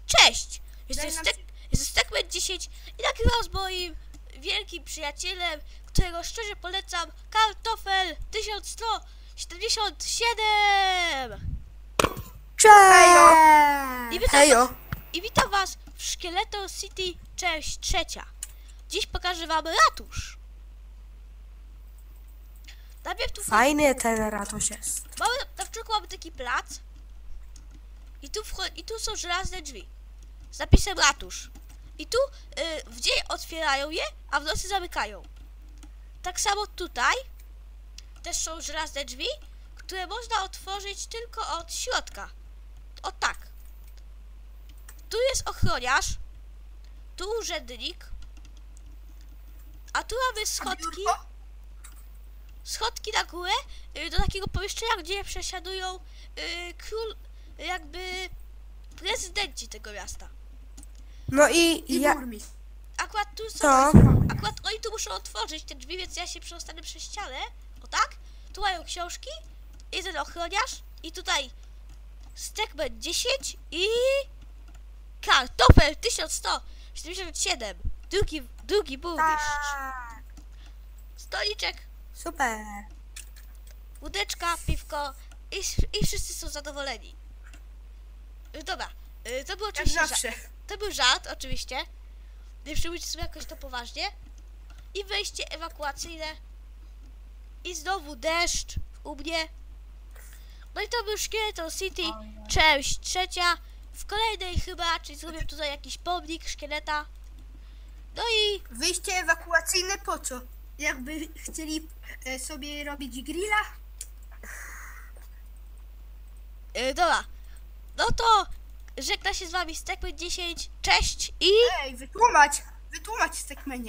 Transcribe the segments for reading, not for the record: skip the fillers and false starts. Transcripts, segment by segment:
Cześć! Daj nam Jestem Stekman 10 i nagrywam z moim wielkim przyjacielem, którego szczerze polecam, Kartofel 1177! Cześć! I witam was w Szkieletor City, część trzecia. Dziś pokażę wam ratusz. Najpierw tu Fajny ten ratusz jest. na początku mamy taki plac i tu są żelazne drzwi z napisem ratusz. I tu w dzień otwierają je, a w nocy zamykają. Tak samo tutaj też są żelazne drzwi, które można otworzyć tylko od środka. O tak. Tu jest ochroniarz, tu urzędnik, a tu mamy schodki na górę do takiego pomieszczenia, gdzie przesiadują jakby prezydenci tego miasta. No i ja... Akurat tu są, To? akurat oni tu muszą otworzyć te drzwi, więc ja się przestanę przez ścianę. O tak? Tu mają książki, jeden ochroniarz i tutaj Stekman 10 i Kartofel 1177. Drugi burmistrz. Tak. Stoliczek, Super. łódeczka, piwko i wszyscy są zadowoleni. Dobra, to był oczywiście to był żart, oczywiście. Nie przyjmujcie sobie jakoś to poważnie. I wejście ewakuacyjne. I znowu deszcz u mnie. No i to był Szkieletor City, część trzecia. W kolejnej chyba, czyli zrobię tutaj jakiś pomnik szkieleta. No i... Wyjście ewakuacyjne po co? Jakby chcieli sobie robić grilla? Dobra. No to żegna się z wami Stekman 10. Cześć i... Ej, wytłumacz Stekmanie.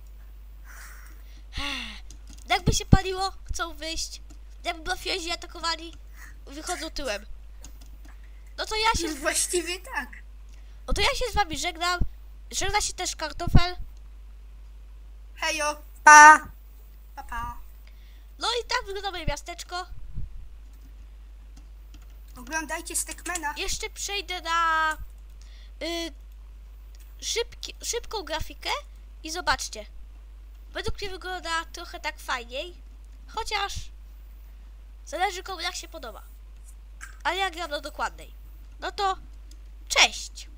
Jakby się paliło, chcą wyjść. Jakby mafiozi atakowali, wychodzą tyłem. No to ja się... Właściwie tak. No to ja się z wami żegnam. Żegna się też Kartofel. Hejo, Pa. pa. No i tak wygląda moje miasteczko. Oglądajcie Stekmana. Jeszcze przejdę na szybką grafikę i zobaczcie. Według mnie wygląda trochę tak fajniej. Chociaż zależy komu jak się podoba. Ale ja gram do dokładnej. No to cześć!